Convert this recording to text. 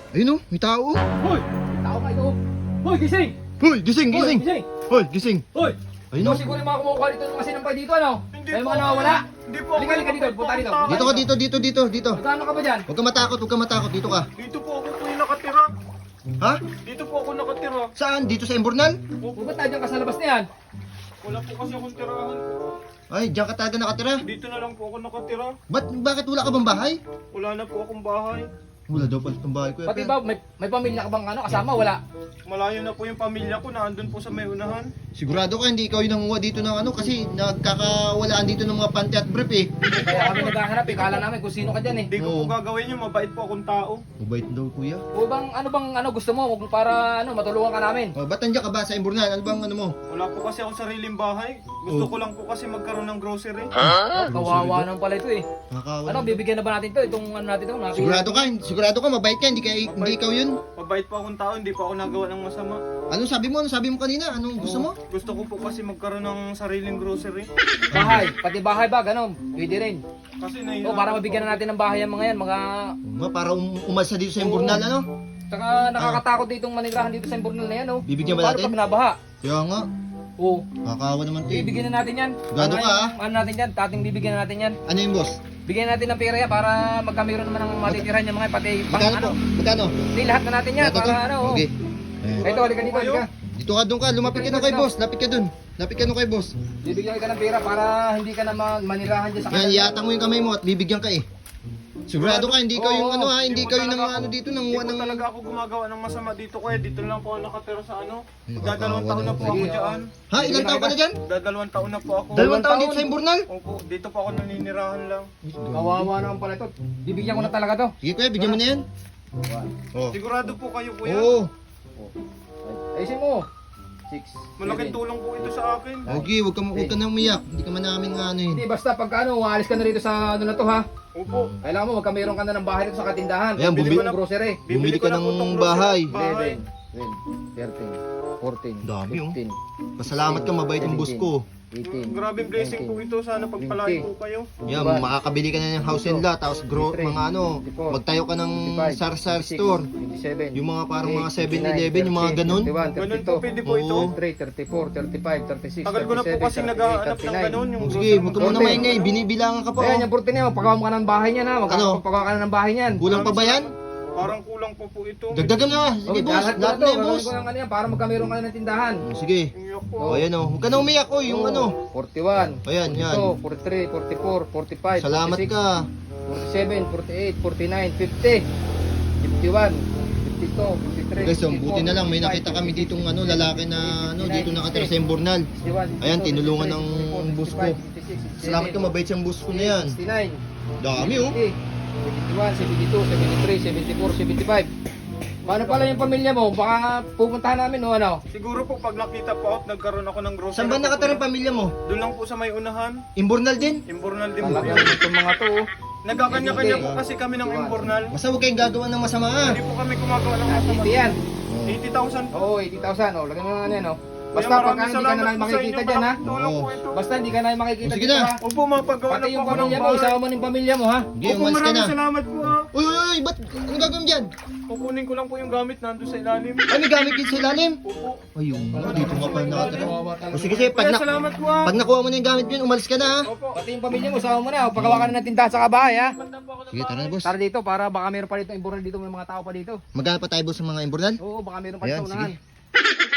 Ayun oh, may tao. Hoy! May tao ka ito. Hoy, gising! Hoy, gising, Hoy, gising. gising! Hoy, gising. Hoy! Ayun Ikaw oh. siguro yung mga kumukuha dito ng kasinampay dito, ano? Hindi May po. mga nawawala? Hindi po. Halika dito, punta dito. Dito ka, dito. Magkano ka ba dyan? Huwag ka matakot, huwag ka matakot. Dito ka. Dito po ako po yung nakatira. Ha? Dito po ako nakatira. Saan? Dito sa Embornal? O ba't nandiyan ka sa labas na yan? Wala po kasi akong tirahan po. Ay, diyan ka talaga nakatira. Dito na lang po ako nakatira. Bakit wala ka bang bahay? Wala na po akong bahay. Wala daw pala itong bahay ko. Pati ba, may pamilya ka bang ano, kasama? Wala. Malayo na po yung pamilya ko, naandun po sa may unahan. Sigurado ka hindi ikaw yung nanguha dito ng ano kasi nagkakawalaan dito ng mga panty at brief eh. Kaya kami naghahanap eh, kala namin kung sino ka dyan eh. Hindi ko Oo. po gagawin yun, mabait po akong tao. Mabait daw kuya. O bang ano gusto mo para ano matulungan ka namin? Oh, ba't nandiyan ka ba sa Embornal? Ano bang ano mo? Wala po kasi akong sariling bahay. Gusto ko lang po kasi magkaroon ng grocery. Kawawa naman pala ito eh. Nakakawalan. Ano, bibigyan na ba natin to? Itong ano natin to? Sigurado ka, mabait ka, hindi ikaw yun. Mabait po akong tao, hindi po ako nagawa ng masama. Ano sabi mo? Ano sabi mo kanina? Anong gusto mo? Gusto ko po kasi magkaroon ng sariling grocery. Bahay, pati bahay ba? Ganon, pwede rin. Kasi O nahihirapan para po mabigyan ako. na natin ng bahay ang mga yan, mga... Oo nga, para umalsa dito sa Embornal, ano? Tsaka nakakatakot ditong manirahan dito sa Imbornal na yan, oh. Bibigyan ba Paano natin? pag nabaha? Kaya nga, Oo. nakakawa naman to eh. Bibigyan na natin yan. Gado ka, ah. Ano natin yan? Tating bibigyan na natin yan. Ano yung boss? Bigyan natin ng pera yan para magkamero naman ng matitirahan yung mga pati pang Magkano ano. po? Magkano? Hindi, lahat na natin yan Lahat na para to? ano. oh. Okay. Eh, Ito, halika dito, halika. dito ka, doon ka. Lumapit ka doon kay boss. Lapit ka doon. Lapit ka doon kay boss. Bibigyan kita ng pera para hindi ka na manirahan dyan sa Yan, iatang mo yung kamay mo at bibigyan ka eh. Sigurado ka, hindi ikaw yung Oo, ano ha, hindi ikaw yung talaga ano dito, Hindi nanguha po ng... talaga ako gumagawa ng masama dito kaya dito lang po ako nakatira sa ano. Nakakawa Dadalawang taon na po naman. ako Sige, dyan. Ha, ilang taon ka na dyan? Dadalawang taon na po ako. Dalawang taon taon? dito sa Imbornal? Opo, dito po ako naninirahan lang. Kawawa naman pala ito. Bibigyan ko na talaga to. Sige kuya, bigyan mo na yan. Oh. Sigurado po kayo kuya. Oo. Ayusin mo. 6. Malaking tulong po ito sa akin. Okay, huwag ka na umiyak. Hindi ka man namin ano Hindi, yun. basta pagka ano, aalis ka na rito sa ano na to ha. Opo. Kailangan mo magkameron ka na ng bahay dito sa katindahan. Ayan, Bili bumili- mo ng grocery. Bumili ka na po ng tong bahay. grocery. 11, 12, 13, 14, Dami, oh. 15, Pasalamat ka, mabait ang boss ko. 18, Grabing blessing po ito. Sana pagpalain po kayo. Yan, makakabili ka na ng house and lot, tapos mga ano, magtayo ka ng sar-sar store. 27, Yung mga parang mga 7-Eleven, yung mga ganun. 31, Ganun po 32, pwede po ito. Oo. 33, 34, 35, 36, Tagal ko na po kasi naghahanap ng ganun. Yung Oh, sige, huwag ka muna maingay, binibilangan ka pa. Ayan, Oh. yung 14 na yun, pagawa mo ka ng bahay niyan ha. Ano? Pagawa ka na ng bahay niyan. Kulang pa ba yan? Parang kulang po po ito. Dagdagan na. Sige Okay, boss, lahat lahat na na to. yan boss. Gagawin ko ng ano yan para magkameron ka na ng tindahan. Sige. Iyak po. Oh, ayan oh. Huwag ka na umiyak oh, yung ano. 41, Ayan, yan. 42, 43, 44, 45, Salamat 46, ka. 47, 48, 49, 50, 51, 52, 53, Guys, oh, buti na lang may nakita kami ditong ano, lalaki na ano, dito nakatira sa Embornal. Ayan, tinulungan ng boss ko. Salamat ka, mabait siyang boss ko na yan. 69, Dami oh. 71, 72, 73, 74, 75. Paano pala yung pamilya mo? Baka pupuntahan namin o ano? Siguro po pag nakita po at nagkaroon ako ng grocery. Saan ba nakatira ang pamilya mo? Doon lang po sa may unahan. Imbornal din? Imbornal din po Talaga yun. itong mga to. oh. Nagkakanya-kanya po kasi kami ng Imbornal. Basta huwag kayong gagawa ng masama ah. Hindi po kami gumagawa ng masama. 80 yan. 80,000 po. Oo, 80,000. O, lagyan mo na yan, o. Basta Kaya pagka maraming hindi ka salamat na po sa makikita inyo, dyan, ha? malaking tulong Oo. po ito. Basta hindi ka na makikita Sige dito, na. ha? Opo, mapagawa Pati na po yung ako ng pamilya mo, bahay. isama mo ng pamilya mo, ha? Hindi, Opo, umalis ka na. maraming salamat po ha. Uy, uy, uy, ba't ano gagawin dyan? Kukunin ko lang po yung gamit nandun sa ilalim. Ay, may gamit din sa ilalim. Opo. Ayun, dito nga pa nakatira. Kawawa O talaga. sige, sige, Kaya salamat po ha. pag nakuha mo na yung gamit yun, umalis ka na ha. Opo. Pati yung pamilya mo, isama mo na, o. Pagawa ka na ng tindahan sa kabahay, ha? Banda po ako ng Sige, tara na boss. Tara dito, para baka meron pa dito, imbural dito, may mga tao pa dito. Magkano pa tayo boss sa mga Imbornal? Oo, baka meron pa Ayan, dito unahan. sige.